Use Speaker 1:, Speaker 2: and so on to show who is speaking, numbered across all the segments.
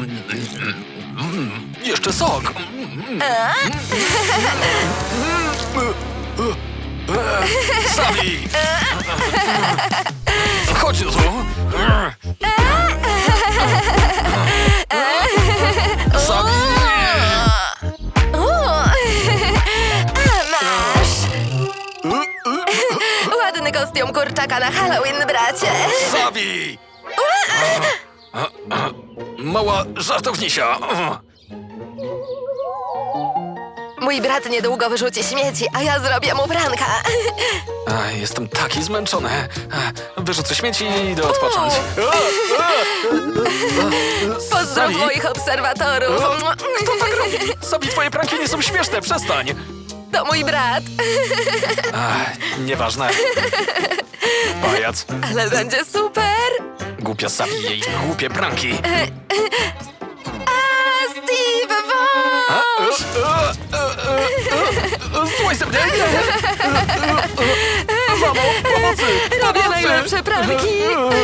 Speaker 1: Jeszcze sok. Sabi! Chodź tu. Sabi!
Speaker 2: Masz! Ładny kostium kurczaka na Halloween, bracie.
Speaker 1: Sabi! Mała żartownisia.
Speaker 2: Mój brat niedługo wyrzuci śmieci, a ja zrobię mu pranka.
Speaker 1: Jestem taki zmęczony. Wyrzucę śmieci i idę odpocząć.
Speaker 2: Pozdrow
Speaker 1: Sabi?
Speaker 2: moich obserwatorów.
Speaker 1: Kto tak robi? Sabi, twoje pranki nie są śmieszne, przestań.
Speaker 2: To mój brat.
Speaker 1: Nieważne. Pajac.
Speaker 2: Ale będzie super.
Speaker 1: Głupia Sabi i jej głupie pranki.
Speaker 2: Steve, wąż!
Speaker 1: Słuchaj ze mnie! Mamo, pomocy!
Speaker 2: Robię najlepsze pranki.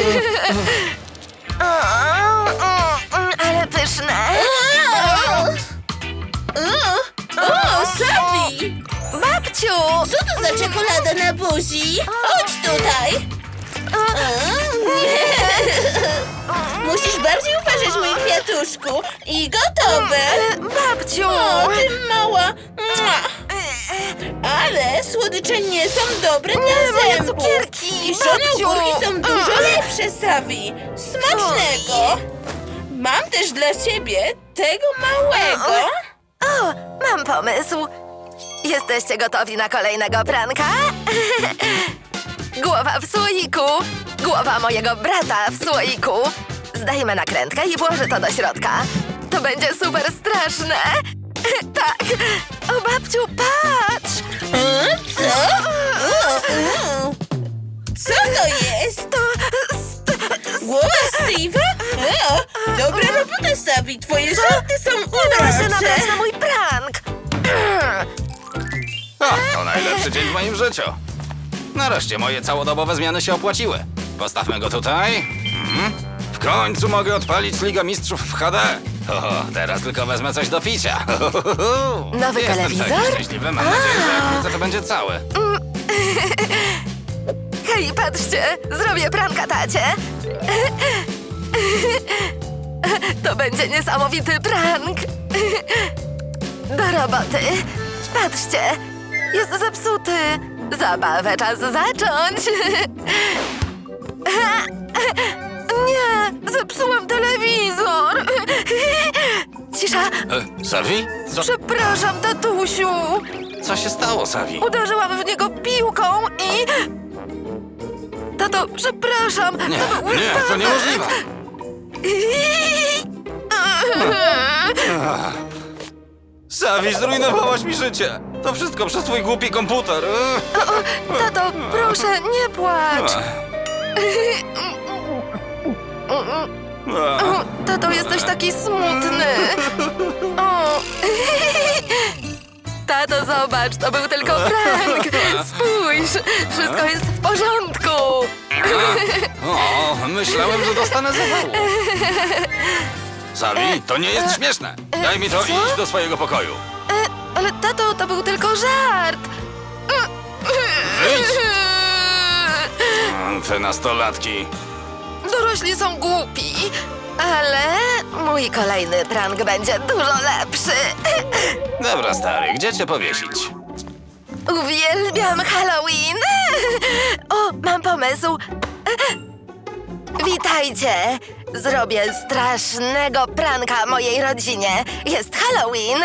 Speaker 2: Ale pyszne.
Speaker 3: O, Sabi!
Speaker 2: Babciu!
Speaker 3: Co to za czekolada na buzi? Chodź tutaj! Nie! Musisz bardziej uważać, mój kwiatuszku. I gotowe!
Speaker 2: Babciu!
Speaker 3: O, ty mała! Mua. Ale słodycze nie są dobre dla
Speaker 2: moje
Speaker 3: zębów.
Speaker 2: cukierki,
Speaker 3: Kiszone
Speaker 2: babciu.
Speaker 3: ogórki są dużo lepsze, Sabi. Smacznego! Mam też dla ciebie tego małego.
Speaker 2: O, mam pomysł. Jesteście gotowi na kolejnego pranka? Głowa w słoiku. Głowa mojego brata w słoiku. Zdejmę nakrętkę i włożę to do środka. To będzie super straszne. Tak. O, babciu, patrz.
Speaker 3: Co? Co to jest?
Speaker 2: To...
Speaker 3: Głowa Steve'a? O, dobra robota, Sabi. Twoje żarty są
Speaker 2: Udało się
Speaker 3: urocze.
Speaker 2: nabrać na mój prank.
Speaker 4: To najlepszy dzień w moim życiu. Nareszcie moje całodobowe zmiany się opłaciły. Postawmy go tutaj. W końcu mogę odpalić Ligę Mistrzów w HD. Teraz tylko wezmę coś do picia.
Speaker 2: Nowy
Speaker 4: Jestem
Speaker 2: telewizor?
Speaker 4: taki szczęśliwy. Mam nadzieję, że jak wrócę, to będzie cały.
Speaker 2: Hej, patrzcie, zrobię pranka tacie. To będzie niesamowity prank. Do roboty. Patrzcie, jest zepsuty. Zabawę czas zacząć. Nie, zepsułam telewizor. Cisza.
Speaker 4: Savi?
Speaker 2: Przepraszam, tatusiu.
Speaker 4: Co się stało, Savi?
Speaker 2: Uderzyłam w niego piłką i... Tato, przepraszam.
Speaker 4: Nie,
Speaker 2: to był
Speaker 4: nie, to
Speaker 2: wypadek.
Speaker 4: niemożliwe. Savi, zrujnowałaś mi życie. To wszystko przez twój głupi komputer.
Speaker 2: Tato, proszę, nie płacz. Tato, jesteś taki smutny. O. Tato, zobacz, to był tylko prank. Spójrz, wszystko jest w porządku.
Speaker 4: O, myślałem, że dostanę zawału. Savi, to nie jest śmieszne. Daj mi to i idź do swojego pokoju.
Speaker 2: Ale tato, to był tylko żart.
Speaker 4: Wyjdź! Te nastolatki.
Speaker 2: Dorośli są głupi, ale mój kolejny prank będzie dużo lepszy.
Speaker 4: Dobra, stary, gdzie cię powiesić?
Speaker 2: Uwielbiam Halloween! O, mam pomysł! Witajcie! Zrobię strasznego pranka mojej rodzinie. Jest Halloween!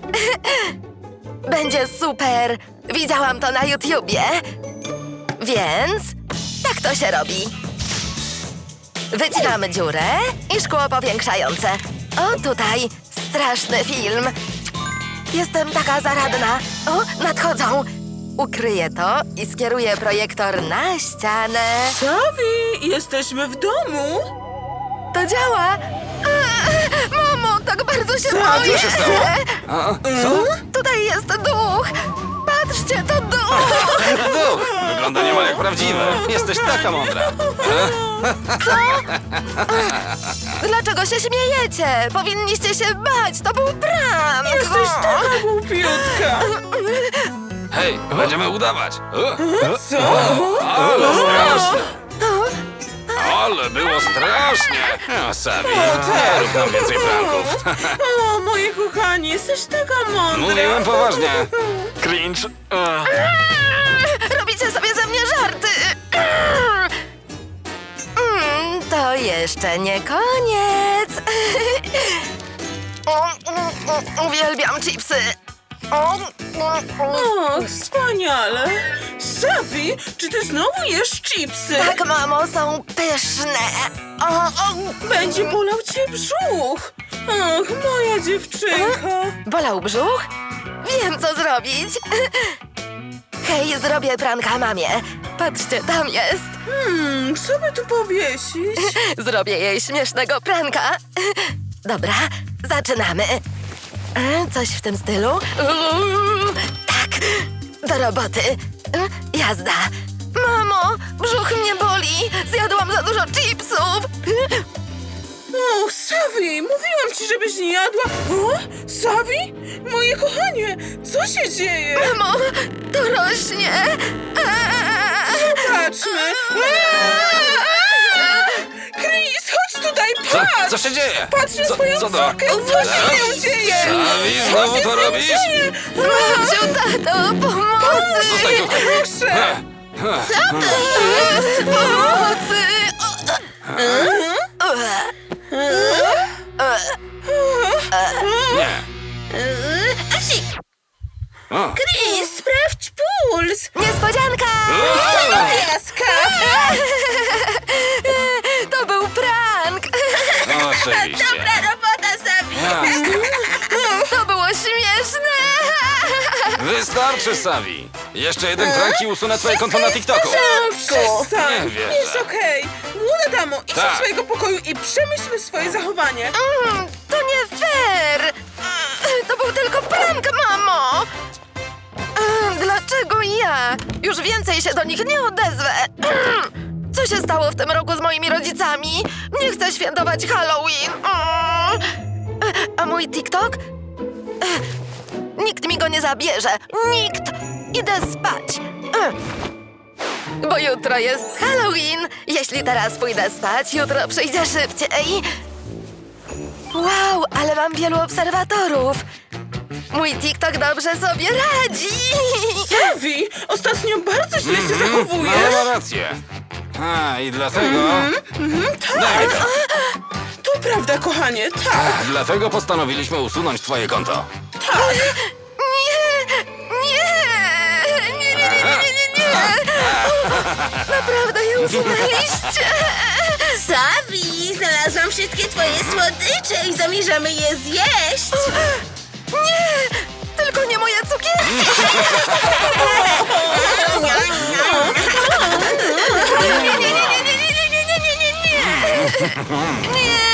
Speaker 2: Będzie super! Widziałam to na YouTubie. Więc tak to się robi. Wycinamy dziurę i szkło powiększające. O, tutaj straszny film. Jestem taka zaradna. O, nadchodzą. Ukryję to i skieruję projektor na ścianę.
Speaker 3: Sabi, jesteśmy w domu.
Speaker 2: To działa. Mamo, tak bardzo się boję.
Speaker 4: Co się stało? Co?
Speaker 2: Tutaj jest duch. Patrzcie, to duch.
Speaker 4: Duch! Wygląda niemal jak prawdziwy. Jesteś taka mądra.
Speaker 2: Co? Dlaczego się śmiejecie? Powinniście się bać, to był prank!
Speaker 3: Jesteś taka głupiutka.
Speaker 4: Hej, będziemy udawać.
Speaker 3: Co?
Speaker 4: Ale straszne. Ale było strasznie. O, Savi, nie rób nam więcej pranków.
Speaker 3: O, moje kochanie, jesteś taka mądra.
Speaker 4: Mówiłem poważnie.
Speaker 1: Cringe.
Speaker 2: Robicie sobie ze mnie żarty! To jeszcze nie koniec! Uwielbiam chipsy!
Speaker 3: O, wspaniale. Savi, czy ty znowu jesz chipsy?
Speaker 2: Tak, mamo, są pyszne!
Speaker 3: Będzie bolał cię brzuch. Ach, moja dziewczynka.
Speaker 2: Bolał brzuch? Wiem, co zrobić! Hej, zrobię pranka mamie! Patrzcie, tam jest!
Speaker 3: Co by tu powiesić?
Speaker 2: Zrobię jej śmiesznego pranka! Dobra, zaczynamy! Coś w tym stylu? Tak! Do roboty! Jazda! Mamo, brzuch mnie boli! Zjadłam za dużo chipsów!
Speaker 3: O, Savi, mówiłam ci, żebyś nie jadła. O, Savi? Moje kochanie, co się dzieje?
Speaker 2: Mamo, to rośnie!
Speaker 3: Zobaczmy. Chris, chodź tutaj, patrz!
Speaker 4: Co się dzieje?
Speaker 3: Patrz na swoją
Speaker 4: co to?
Speaker 3: córkę, co się z nią dzieje?
Speaker 4: Savi, znowu to robisz?
Speaker 2: Mamciu, tato, pomocy!
Speaker 4: Zostań tutaj.
Speaker 3: Proszę.
Speaker 2: Pomocy!
Speaker 4: Nie. O.
Speaker 3: Chris, sprawdź puls.
Speaker 2: Niespodzianka!
Speaker 3: Piaska.
Speaker 2: To był prank!
Speaker 4: Oczywiście.
Speaker 3: robota, Savi.
Speaker 4: Jasne.
Speaker 2: To było śmieszne!
Speaker 4: Wystarczy, Savi. Jeszcze jeden prank i usunę twoje konto na TikToku.
Speaker 3: Przestań.
Speaker 4: Nie wierzę.
Speaker 3: Jest okej. Młoda damo, idź
Speaker 4: Tak.
Speaker 3: do swojego pokoju i przemyśl swoje zachowanie.
Speaker 2: To nie fair! To był tylko prank, mamo! Dlaczego ja? Już więcej się do nich nie odezwę! Co się stało w tym roku z moimi rodzicami? Nie chcę świętować Halloween! A mój TikTok? Nikt mi go nie zabierze! Nikt! Idę spać! Bo jutro jest Halloween! Jeśli teraz pójdę spać, jutro przyjdzie szybciej! Wow, ale mam wielu obserwatorów! Mój TikTok dobrze sobie radzi!
Speaker 3: Savi, ostatnio bardzo źle się zachowujesz.
Speaker 4: No, ma rację. A, i dlatego... Daj mi to.
Speaker 3: To prawda, kochanie, tak.
Speaker 4: Dlatego postanowiliśmy usunąć twoje konto.
Speaker 2: Nie! Nie! Nie, nie, nie, nie, nie, nie! Naprawdę je usunęliście!
Speaker 3: Savi, znalazłam wszystkie twoje słodycze i zamierzamy je zjeść.
Speaker 2: Nie! Tylko nie moje cukierki! Nie, nie, nie, nie, nie, nie, nie, nie, nie, nie, nie, nie! Nie!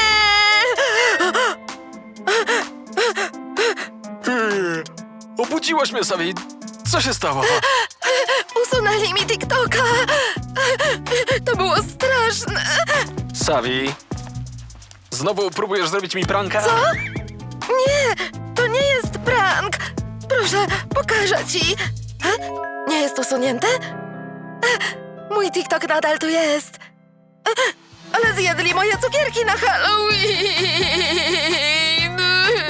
Speaker 1: Obudziłaś mnie, Savi. Co się stało?
Speaker 2: Usunęli mi TikToka! To było straszne!
Speaker 1: Savi, znowu próbujesz zrobić mi pranka?
Speaker 2: Co? Nie! To nie jest prank! Proszę, pokażę ci! Nie jest usunięte? Mój TikTok nadal tu jest! Ale zjedli moje cukierki na Halloween!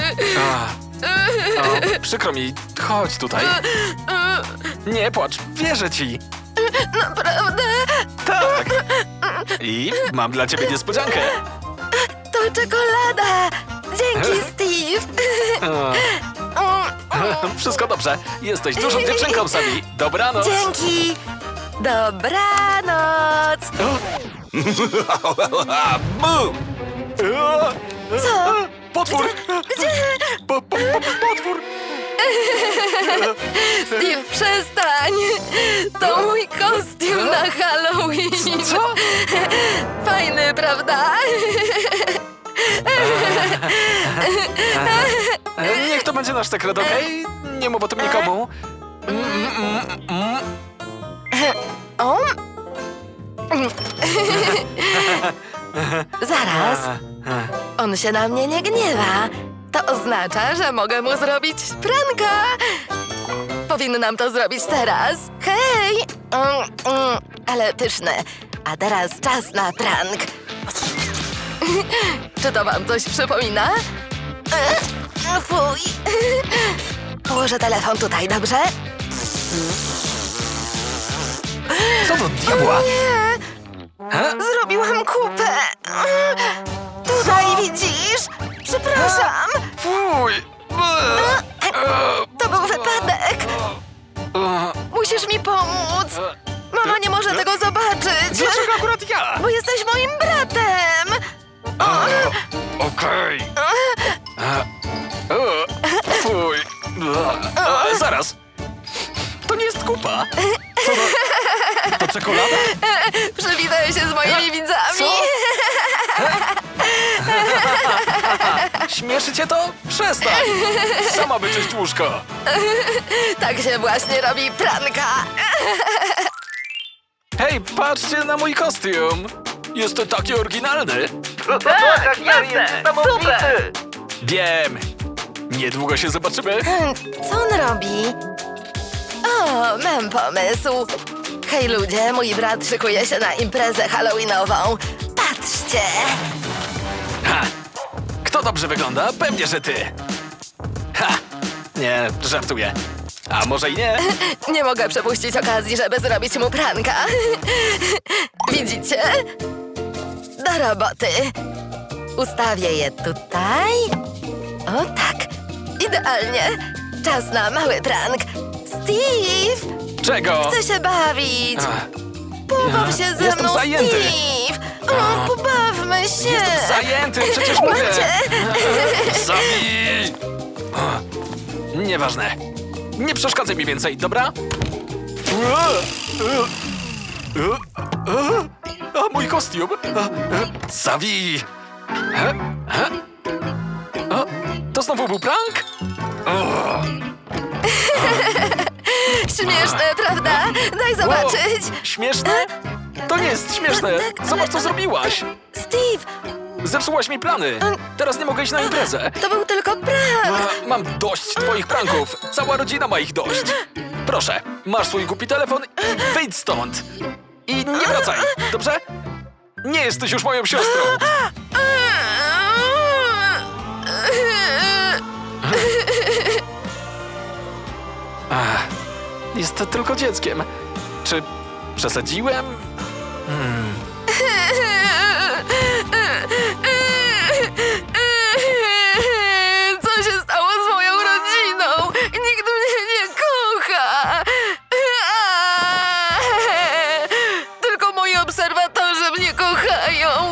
Speaker 1: Przykro mi, chodź tutaj. Nie płacz, wierzę ci.
Speaker 2: Naprawdę?
Speaker 1: Tak. I mam dla ciebie niespodziankę.
Speaker 2: To czekolada! Dzięki, Steve!
Speaker 1: Wszystko dobrze. Jesteś dużą dziewczynką, Savi. Dobranoc.
Speaker 2: Dzięki! Dobranoc!
Speaker 4: Bum!
Speaker 2: Co?
Speaker 1: Potwór! Potwór!
Speaker 2: Steve, przestań! To mój kostium na Halloween!
Speaker 1: Co?
Speaker 2: Fajny, prawda?
Speaker 1: Niech to będzie nasz sekret, okej? Nie mów o tym nikomu.
Speaker 2: O? Zaraz. On się na mnie nie gniewa. To oznacza, że mogę mu zrobić pranka. Powinnam to zrobić teraz. Hej! Ale pyszne. A teraz czas na prank. Czy to wam coś przypomina? Fuj. Położę telefon tutaj, dobrze?
Speaker 1: Co do diabła?
Speaker 2: Nie! Zrobiłam kupę. Tutaj widzisz? Przepraszam.
Speaker 1: Fuj!
Speaker 2: To był wypadek. Musisz mi pomóc. Mama nie może tego zobaczyć.
Speaker 1: Dlaczego akurat ja?
Speaker 2: Bo jesteś moim bratem.
Speaker 1: Okej. Fuj. Zaraz. To nie jest kupa. Co to? To czekolada?
Speaker 2: Przywitaj się z moimi widzami.
Speaker 1: Co? Śmieszy cię to? Przestań! Sama wyczyść łóżko.
Speaker 2: Tak się właśnie robi pranka.
Speaker 1: Hej, patrzcie na mój kostium. Jest taki oryginalny.
Speaker 5: Tak, jasne! Super!
Speaker 1: Wiem. Niedługo się zobaczymy.
Speaker 2: Co on robi? O, mam pomysł. Hej ludzie, mój brat szykuje się na imprezę halloweenową. Patrzcie!
Speaker 1: Ha! Kto dobrze wygląda? Pewnie, że ty. Ha! Nie, żartuję. A może i nie?
Speaker 2: Nie mogę przepuścić okazji, żeby zrobić mu pranka. Widzicie? Do roboty. Ustawię je tutaj. O tak, idealnie. Czas na mały prank. Steve!
Speaker 1: Czego?
Speaker 2: Chcę się bawić.
Speaker 1: Ach,
Speaker 2: Pobaw się ze
Speaker 1: jestem
Speaker 2: mną,
Speaker 1: zajęty.
Speaker 2: Steve! O, pobawmy się!
Speaker 1: Jestem zajęty, przecież mówię.
Speaker 2: Macie?
Speaker 1: Zabij! Nieważne. Nie przeszkadzaj mi więcej, dobra? A mój kostium? Zabij! O, to znowu był prank?
Speaker 2: Śmieszne, prawda? Daj zobaczyć.
Speaker 1: O, śmieszne? To nie jest śmieszne. Zobacz, co zrobiłaś.
Speaker 2: Steve,
Speaker 1: Zepsułaś mi plany. Teraz nie mogę iść na imprezę.
Speaker 2: to był tylko prank.
Speaker 1: Mam dość twoich pranków. Cała rodzina ma ich dość. Proszę, masz swój głupi telefon i wyjdź stąd. I nie wracaj, dobrze? Nie jesteś już moją siostrą. Ach, jest to tylko dzieckiem. Czy przesadziłem?
Speaker 2: Co się stało z moją rodziną? Nikt mnie nie kocha. Tylko moi obserwatorzy mnie kochają.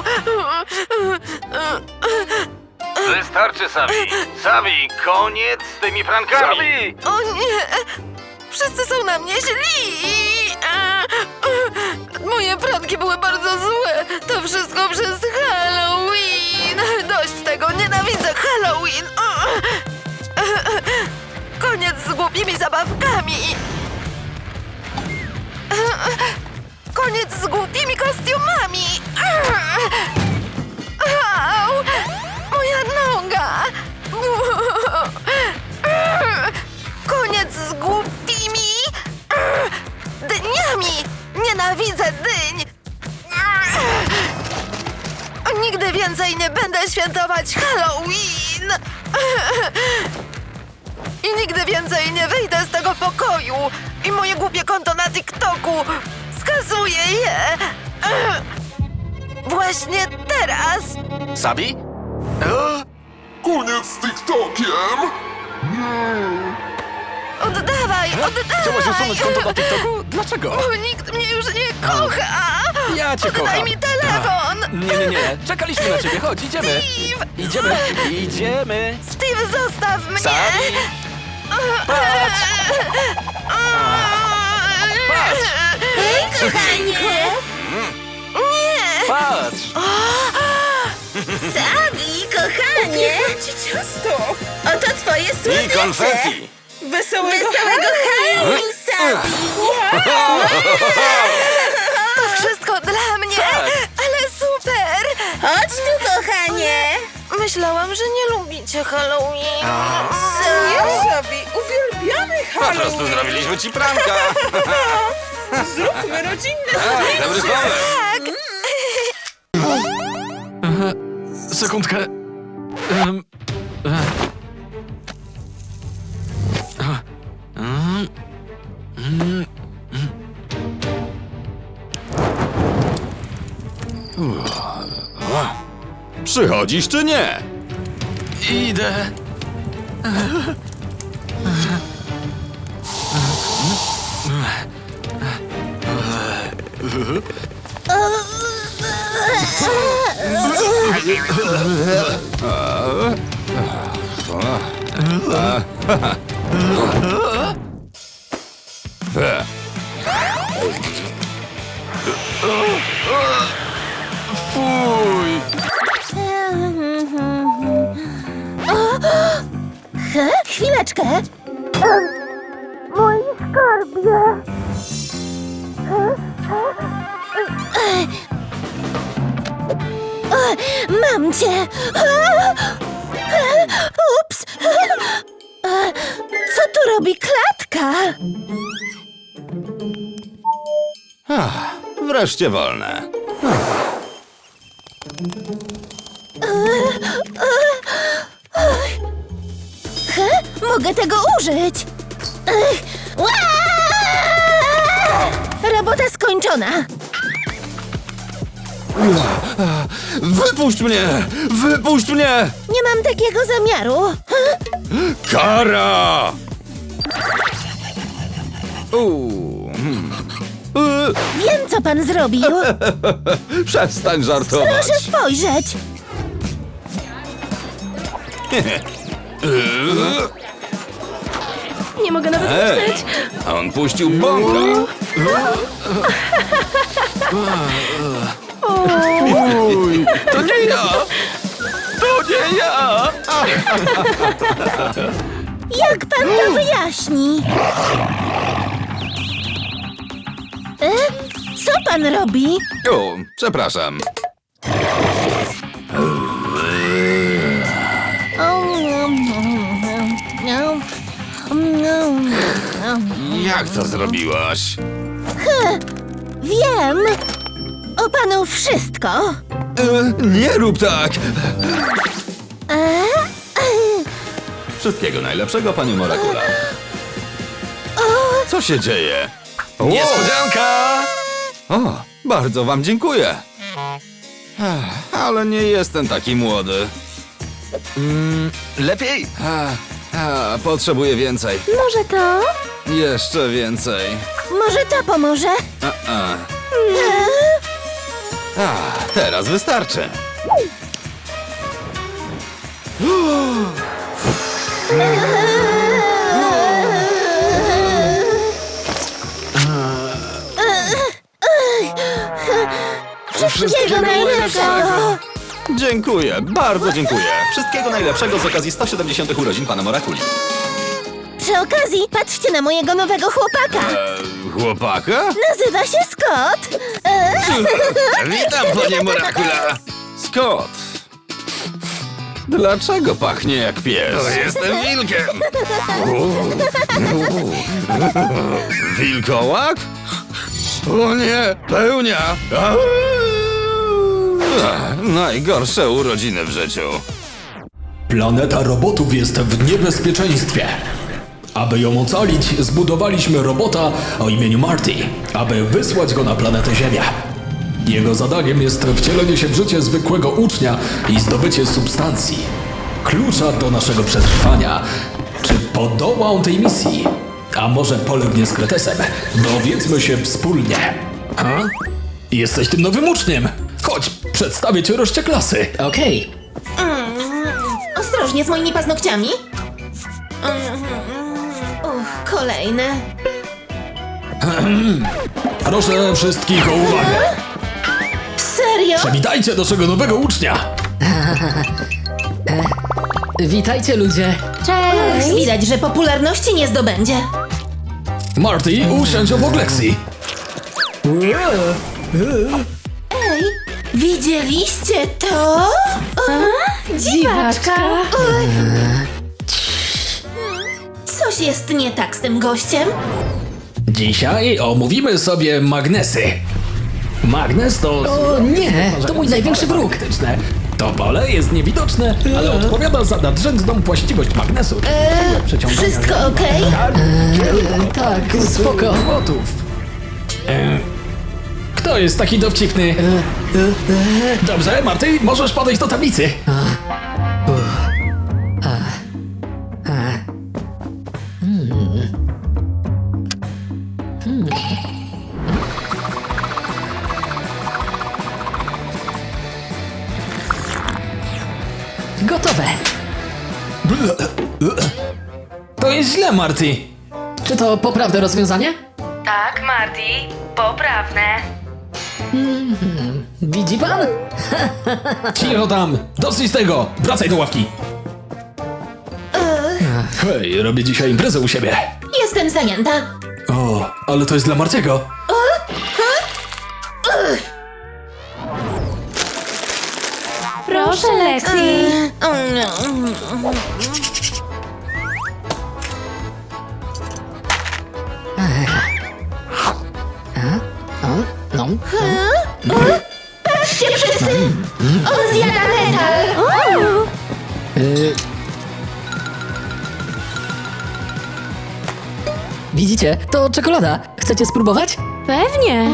Speaker 5: Wystarczy, Savi! Savi, koniec z tymi prankami! Savi!
Speaker 2: O nie! Wszyscy są na mnie źli! Moje pranki były bardzo złe. To wszystko przez Halloween. Dość tego, nienawidzę Halloween. Koniec z głupimi zabawkami. Koniec z głupimi kostiumami. Au! Moja noga. Koniec z głupimi dniami! Nienawidzę dyń! Nigdy więcej nie będę świętować Halloween! I nigdy więcej nie wyjdę z tego pokoju! I moje głupie konto na TikToku! Skasuję je! Właśnie teraz!
Speaker 1: Sabi?
Speaker 6: Koniec z TikTokiem!
Speaker 2: Oddawaj!
Speaker 1: Chciałaś usunąć konto na
Speaker 2: Oddawaj!
Speaker 1: TikToku? Dlaczego?
Speaker 2: Bo nikt mnie już nie kocha!
Speaker 1: Ja cię
Speaker 2: Oddaj
Speaker 1: kocham.
Speaker 2: mi telefon!
Speaker 1: Nie. Czekaliśmy na ciebie. Chodź, idziemy.
Speaker 2: Steve!
Speaker 1: Idziemy.
Speaker 2: Steve, zostaw mnie!
Speaker 1: Sabi? Patrz! Patrz!
Speaker 2: Hej, kochanie! Nie!
Speaker 1: Patrz!
Speaker 3: Savi, kochanie!
Speaker 7: Ci ciasto!
Speaker 3: Oto twoje
Speaker 4: I
Speaker 3: słodycze!
Speaker 4: konfetti!
Speaker 7: Wesołego
Speaker 3: Halloween, Savi!
Speaker 2: To wszystko dla mnie!
Speaker 1: Tak.
Speaker 2: Ale super!
Speaker 3: Chodź tu, kochanie.
Speaker 2: Myślałam, że nie lubicie Halloween.
Speaker 3: Co? Sabi, uwielbiamy
Speaker 4: Po prostu
Speaker 3: Halloween.
Speaker 4: zrobiliśmy ci pranka.
Speaker 3: Zróbmy rodzinne
Speaker 4: Dobry
Speaker 3: zdjęcie.
Speaker 4: pomysł.
Speaker 1: Sekundkę.
Speaker 4: Przychodzisz czy nie?
Speaker 1: Idę. Fuj.
Speaker 7: Chwileczkę. Mój skarbie. Mam cię. Ups. Co tu robi klatka?
Speaker 4: Wreszcie wolne.
Speaker 7: Mogę tego użyć. Ua! Robota skończona.
Speaker 4: Wypuść mnie! Wypuść mnie!
Speaker 7: Nie mam takiego zamiaru.
Speaker 4: Kara!
Speaker 7: Wiem, co pan zrobił.
Speaker 4: Przestań żartować.
Speaker 7: Proszę spojrzeć. Nie mogę nawet
Speaker 4: Ej, on puścił bąka.
Speaker 1: Fuj. To nie ja. To nie ja.
Speaker 7: Jak pan to wyjaśni? Co pan robi?
Speaker 4: O, przepraszam. Jak to zrobiłaś?
Speaker 7: Wiem. O panu wszystko.
Speaker 4: Nie rób tak!
Speaker 7: E?
Speaker 4: Wszystkiego najlepszego, pani Morakula. Co się dzieje?
Speaker 1: Niespodzianka.
Speaker 4: O, bardzo wam dziękuję. Ale nie jestem taki młody.
Speaker 1: Lepiej?
Speaker 4: Potrzebuję więcej.
Speaker 7: Może to?
Speaker 4: Jeszcze więcej.
Speaker 7: Może to pomoże?
Speaker 4: Teraz wystarczy.
Speaker 7: Wszystkiego najlepszego.
Speaker 4: Dziękuję, bardzo dziękuję. Wszystkiego najlepszego z okazji 170 urodzin pana Morakuli.
Speaker 7: Przy okazji, patrzcie na mojego nowego chłopaka.
Speaker 4: Chłopaka?
Speaker 7: Nazywa się Scott.
Speaker 4: Witam, panie Morakula. Scott. Dlaczego pachnie jak pies? Jestem wilkiem. Wilkołak? O nie, pełnia. Najgorsze urodziny w życiu.
Speaker 8: Planeta robotów jest w niebezpieczeństwie. Aby ją ocalić, zbudowaliśmy robota o imieniu Marty, aby wysłać go na planetę Ziemia. Jego zadaniem jest wcielenie się w życie zwykłego ucznia i zdobycie substancji. Klucza do naszego przetrwania. Czy podoła on tej misji? A może polegnie z Kretesem? Dowiedzmy się wspólnie. Ha? Jesteś tym nowym uczniem. Chodź, przedstawię cię reszcie klasy.
Speaker 9: Okej.
Speaker 7: Ostrożnie z moimi paznokciami. Kolejne.
Speaker 8: Proszę wszystkich o uwagę.
Speaker 7: Serio?
Speaker 8: Przywitajcie naszego nowego ucznia.
Speaker 9: Witajcie ludzie.
Speaker 7: Cześć. Widać, że popularności nie zdobędzie.
Speaker 8: Marty, usiądź obok Lexi.
Speaker 7: Ej,
Speaker 3: Widzieliście to?
Speaker 7: Dziwaczka.
Speaker 3: Coś jest nie tak z tym gościem.
Speaker 8: Dzisiaj omówimy sobie magnesy. Magnes to...
Speaker 9: O nie, to mój największy wróg.
Speaker 8: To pole jest niewidoczne, ale odpowiada za nadrzędną właściwość magnesu. Przeciągania
Speaker 3: Wszystko okej?
Speaker 9: Tak, spoko.
Speaker 8: Robotów. Kto jest taki dowcipny? Dobrze, Marty, możesz podejść do tablicy.
Speaker 9: Gotowe.
Speaker 8: To jest źle, Marty.
Speaker 9: Czy to poprawne rozwiązanie?
Speaker 2: Tak, Marty, poprawne.
Speaker 9: Widzi pan?
Speaker 8: Cicho tam, dosyć tego. Wracaj do ławki. Hej, robię dzisiaj imprezę u siebie.
Speaker 3: Jestem zajęta.
Speaker 8: O, ale to jest dla Martiego.
Speaker 7: Proszę, Lexi.
Speaker 9: No.
Speaker 7: Patrzcie wszyscy. On zjada metal.
Speaker 9: Widzicie? To czekolada. Chcecie spróbować?
Speaker 7: Pewnie.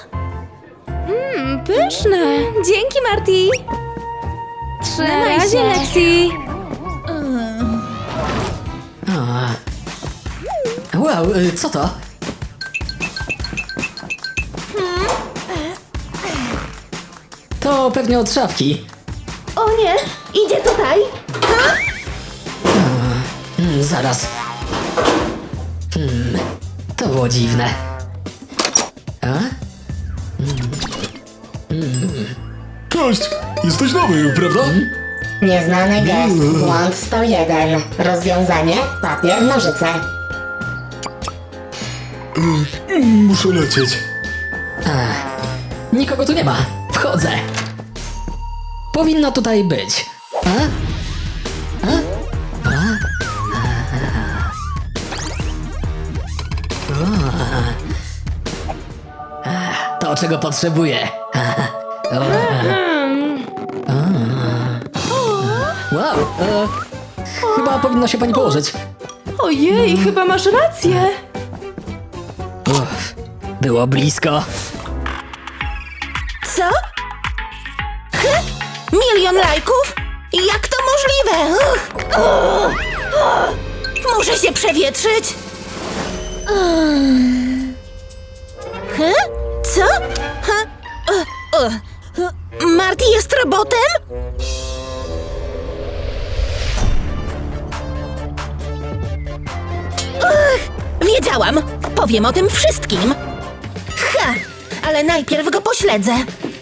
Speaker 7: Pyszne. Dzięki, Marty. Trzymaj się, Lexi.
Speaker 9: Wow, co to? To pewnie od szafki.
Speaker 7: O nie, idzie tutaj.
Speaker 9: Zaraz. To było dziwne. A?
Speaker 8: Cześć, jesteś nowy, prawda?
Speaker 10: Nieznany gest, błąd 101. Rozwiązanie, papier, nożyce.
Speaker 8: Muszę lecieć.
Speaker 9: Nikogo tu nie ma. Wchodzę. Powinno tutaj być. To, czego potrzebuję. Wow, chyba powinno się pani położyć.
Speaker 7: Ojej, chyba masz rację.
Speaker 9: Było blisko.
Speaker 3: Co? 1 000 000 lajków? Jak to możliwe? Muszę się przewietrzyć. Co? Marty jest robotem? Wiedziałam. Powiem o tym wszystkim. Ale najpierw go pośledzę.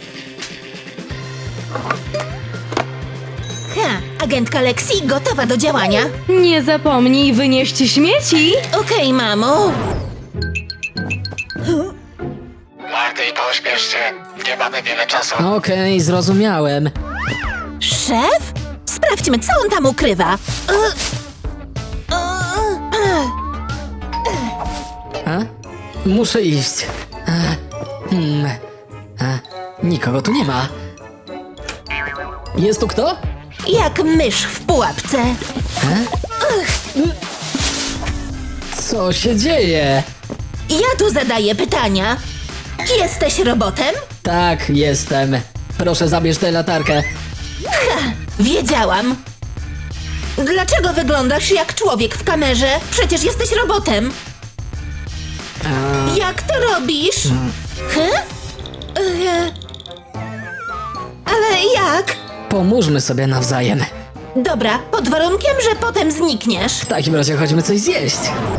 Speaker 3: Agentka Lexi gotowa do działania.
Speaker 7: Nie zapomnij wynieść śmieci.
Speaker 3: Okej, mamo.
Speaker 10: Marty, pośpiesz się. Nie mamy wiele czasu.
Speaker 9: Okej, zrozumiałem.
Speaker 3: Szef? Sprawdźmy, co on tam ukrywa.
Speaker 9: Muszę iść. Nikogo tu nie ma. Jest tu kto?
Speaker 3: Jak mysz w pułapce.
Speaker 9: Co się dzieje?
Speaker 3: Ja tu zadaję pytania. Jesteś robotem?
Speaker 9: Tak, jestem. Proszę, zabierz tę latarkę.
Speaker 3: Wiedziałam. Dlaczego wyglądasz jak człowiek w kamerze? Przecież jesteś robotem. Jak to robisz? Ale jak?
Speaker 9: Pomóżmy sobie nawzajem.
Speaker 3: Dobra, pod warunkiem, że potem znikniesz.
Speaker 9: W takim razie chodźmy coś zjeść.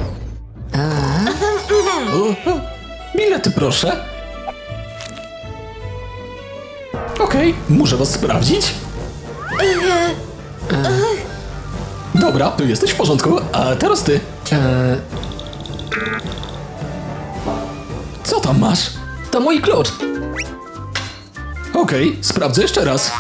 Speaker 8: Bilety proszę. Okej, muszę was sprawdzić. Dobra, tu jesteś w porządku, a teraz ty. Co tam masz?
Speaker 9: To mój klucz.
Speaker 8: Okej, sprawdzę jeszcze raz.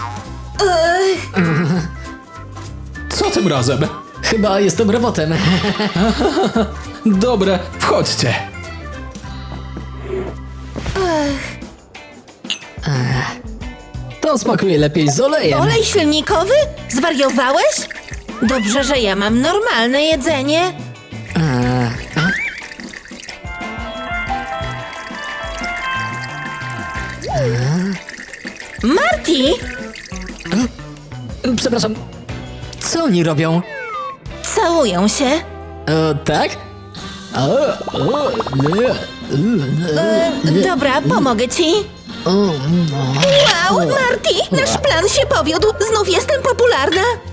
Speaker 8: Co tym razem?
Speaker 9: Chyba jestem robotem.
Speaker 8: Dobre, wchodźcie.
Speaker 9: To smakuje lepiej z olejem.
Speaker 3: Olej silnikowy? Zwariowałeś? Dobrze, że ja mam normalne jedzenie. Marty!
Speaker 9: Przepraszam, co oni robią?
Speaker 3: Całują się.
Speaker 9: Tak?
Speaker 3: Dobra, pomogę ci. Wow, Marty, nasz plan się powiódł. Znów jestem popularna.